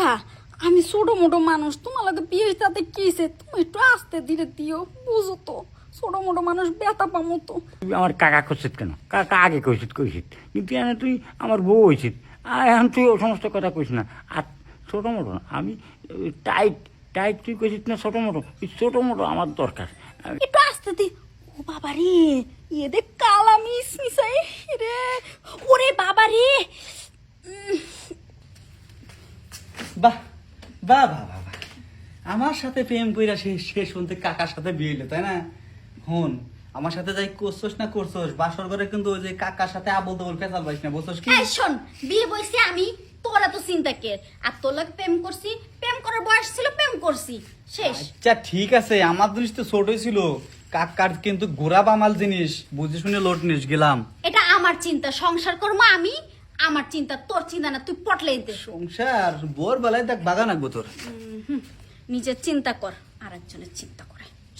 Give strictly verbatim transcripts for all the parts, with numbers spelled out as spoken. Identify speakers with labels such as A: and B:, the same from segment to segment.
A: কাকা আমি ছোট মোটো মানুষ, তোমার লাগে বিয়ে তাতে কিছে, তুমি একটু আস্তে ধীরে দিও, বুঝো তো ছোট মোটো মানুষ ব্যথা পামো তো।
B: তুই আমার কাকা করছিস কেন? কাকা আগে কইছিস কইছিস, কিন্তু এনে তুই আমার বউ হয়েছিস, আর এখন তুই ও সমস্ত কথা কইস না। আর ছোটো মোটো না, আমি টাইট টাইট তুই কইছিস না ছোটো মোটো, এই ছোটো মোটো আমার দরকার। আমি-
A: একটু আস্তে দি। ও বাবা রে, ইয়ে দেখ কালা মিস মিসাই রে, ওরে বাবা রে।
C: বাহ বাহ বাহ বাহ বাহ। আমার সাথে প্রেম কইরা শেষ শেষ শুনতে কাকার সাথে বিয়ে হইলো, তাই না? হন আমার সাথে যাই করছোস না করছোস, বাসর ঘরে কিন্তু ওই যে কাকার সাথে আবল তাবল পেঁচাল পাইস না, বুঝছোস কি?
A: এই শোন, বিয়ে বইছি আমি, তোরা তো চিন্তা কে, আর তোর লাগে প্রেম করছি, প্রেম করার বয়স ছিল, প্রেম করছি, শেষ।
C: আচ্ছা ঠিক আছে, আমার জিনিস তো ছোটই ছিল, কাকার কিন্তু গোড়া বামাল জিনিস, বুঝে শুনে লোট নিস গেলাম।
A: এটা আমার চিন্তা, সংসার করবো আমি, আমার চিন্তা, তোর চিন্তা না, তুই পটলেই দে।
C: সংসার বোর বেলায় দেখ বাগান আঁকবো তোর।
A: হুম, নিজের চিন্তা কর, আর একজনের চিন্তা করে।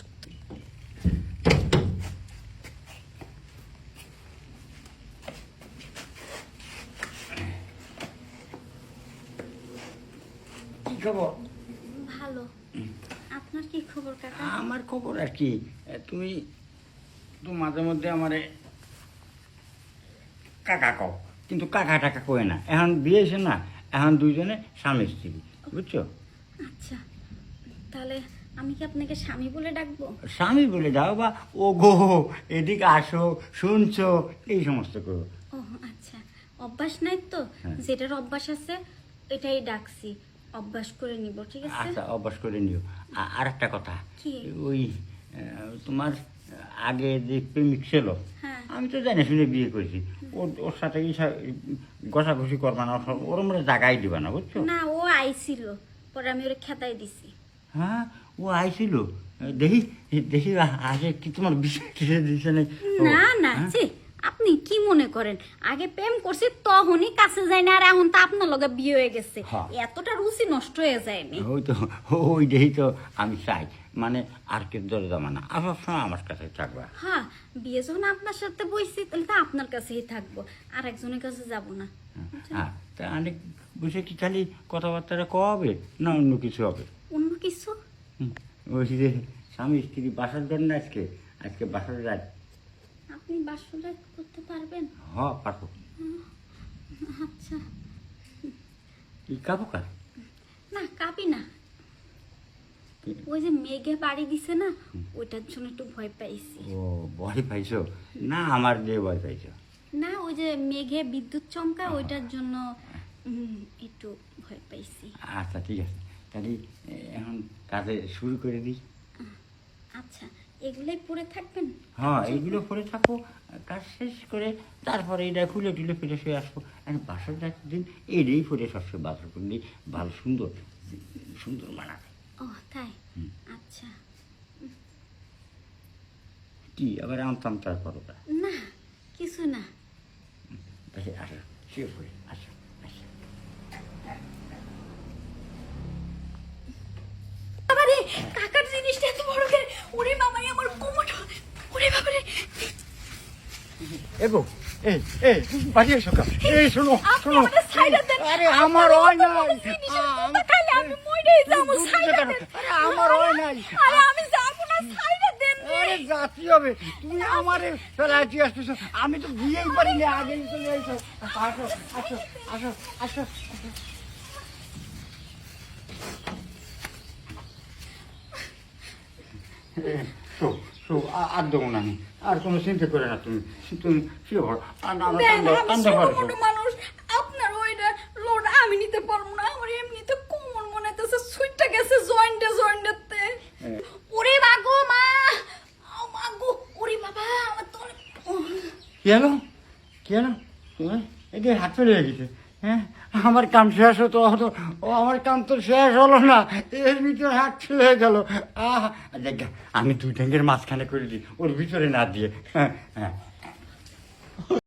B: কি খবর?
A: ভালো, আপনার কি খবর কাকা?
B: আমার খবর আর কি, তুমি তো মাঝে মধ্যে আমারে কাকা কও, কিন্তু কাকা টাকা কয়ে না। এখন বিয়ে এসে না, এখন দুইজনে স্বামী স্ত্রী, বুঝছো?
A: আচ্ছা, তাহলে আমি কি আপনাকে স্বামী বলে ডাকবো?
B: স্বামী বলে দাও, বা ও গো এদিকে আসো, শুনছো, এই সমস্ত করো।
A: ও আচ্ছা, অভ্যাস নাই তো,
B: হ্যাঁ।
A: যেটার অভ্যাস আছে এটাই ডাকছি, অভ্যাস করে নিব, ঠিক আছে?
B: আচ্ছা, অভ্যাস করে নিও। আ- আর একটা কথা,
A: কি?
B: ওই আহ, তোমার আগে যে প্রেমিক ছিল,
A: হ্যাঁ।
B: আমি তো জানি শুনে বিয়ে করেছি, ওর ওর সাথে কি ঘষাঘষি করবা না, ওর- ওর মধ্যে জাগাই দিবা না, বুঝছো?
A: না, ও আইছিল, পরে আমি ওরে খেতাই দিছি।
B: হ্যাঁ, ও আইছিল, দেখি দেখি আগে কি তোমার বিষয় টিষয় দিছে নাকি? ও,
A: না না,
B: হ্যাঁ?
A: জি, আপনি কি মনে করেন, আগে প্রেম করছি তখনই কাছে যাই না, আর এখন তো আপনার লগে বিয়ে হয়ে গেছে,
B: হ্যাঁ।
A: এতটা রুচি নষ্ট হয়ে যায়নি।
B: ওই তো, ওই দেখি তো আমি চাই, মানে আর কি দরে জমা না, আর সবসময় আমার কাছে থাকবা।
A: হ্যাঁ, বিয়ে যখন আপনার সাথে বইছি, তাহলে তো আপনার কাছেই থাকবো, আর একজনের কাছে যাব না।
B: হ্যাঁ, তা অনেক বসে কি খালি কথাবার্তা কবে না অন্য কিছু হবে?
A: অন্য কিছু?
B: হুম, ওই যে স্বামী স্ত্রী বাসার জন্য আজকে আজকে বাসার রাত।
A: আপনি বাসটা করতে পারবেন?
B: হ, পারবো।
A: আচ্ছা,
B: কি কাবো কা?
A: না কাঁপি না, ওই যে মেঘে বাড়ি দিছে না, ওইটার জন্য একটু ভয় পাইছি।
B: ও, ভয় পাইছো? না, আমার যে ভয় পাইছো।
A: না, ওই যে মেঘে বিদ্যুৎ চমকা, ওইটার জন্য উম, একটু ভয় পাইছি।
B: আচ্ছা ঠিক আছে, তাহলে এ, এখন কাজে শুরু করে দিই।
A: আচ্ছা, এগুলাই পরে থাকবেন?
B: হ্যাঁ, এইগুলো করে থাকো, কাজ শেষ করে তারপরে এটা খুলে টুলে ফিরে শুয়ে আসবো। এখন বাসর রাতের দিন এটাই পরে সবসময় বাসর করলে ভালো সুন্দর সুন্দর মানাবে।
A: ও তাই?
B: হুম।
A: আচ্ছা,
B: কি আবার এমন তার করো তা?
A: না কিছু না।
B: দেখে আসো, শুয়ে পড়ে আসো আসো।
A: বাবারে, কাকার জিনিসটা এত বড় করে, ওরে বাবারে আমার কোমর, ওরে বাবারে।
B: এগো, এই এই বাড়ি এসো কা, এই শোনো
A: আপনি
B: শোনো,
A: আমাদের সাইডে দেন।
B: আরে আমার হয় নাই,
A: জিনিসের খাইলে আমি মইরেই যাবো, সাইডে দেন।
B: আরে আমার হয় নাই,
A: আরে আমি যাবো না, সাইডে দেন রে।
B: আরে জাতি হবে, তুমি আমারে ফেলাইতে আসতেছো, আমি তো বিয়েই পারিনি, আগেই চলে এসো, আসো আসো আসো আসো। শো শো, আর দেবো না আমি, আর কোনো চিন্তা করে না তুমি, তুমি শুয়ে পড়ো, আর না আমার
A: দেন,
B: কান্দে
A: আমি
B: কান্দে
A: ছোট
B: পারো।
A: মোটো মানুষ, আপনার ওইটা লোড আমি নিতে পারবো না, আমার এমনিতে কোমর মনে হইতেছে সুইটটা গেছে জয়েন্টে জয়েন্টেতে। ওরে বাগো মা, ও মাগো, ওরে বাবা আমার তো অনেক- উহ।
B: কি হলো কি হলো তোমার এটি হাত চলে গেছে? হ্যাঁ, আমার কাম শেষ হতো হতো, ও আমার কাম তো শেষ হলো না, এর ভিতরে হাত চলে গেল। আহ দেখ, আমি দুই ট্যাঙ্কের মাঝখানে করে দিই, ওর ভিতরে না দিয়ে। হ্যাঁ হ্যাঁ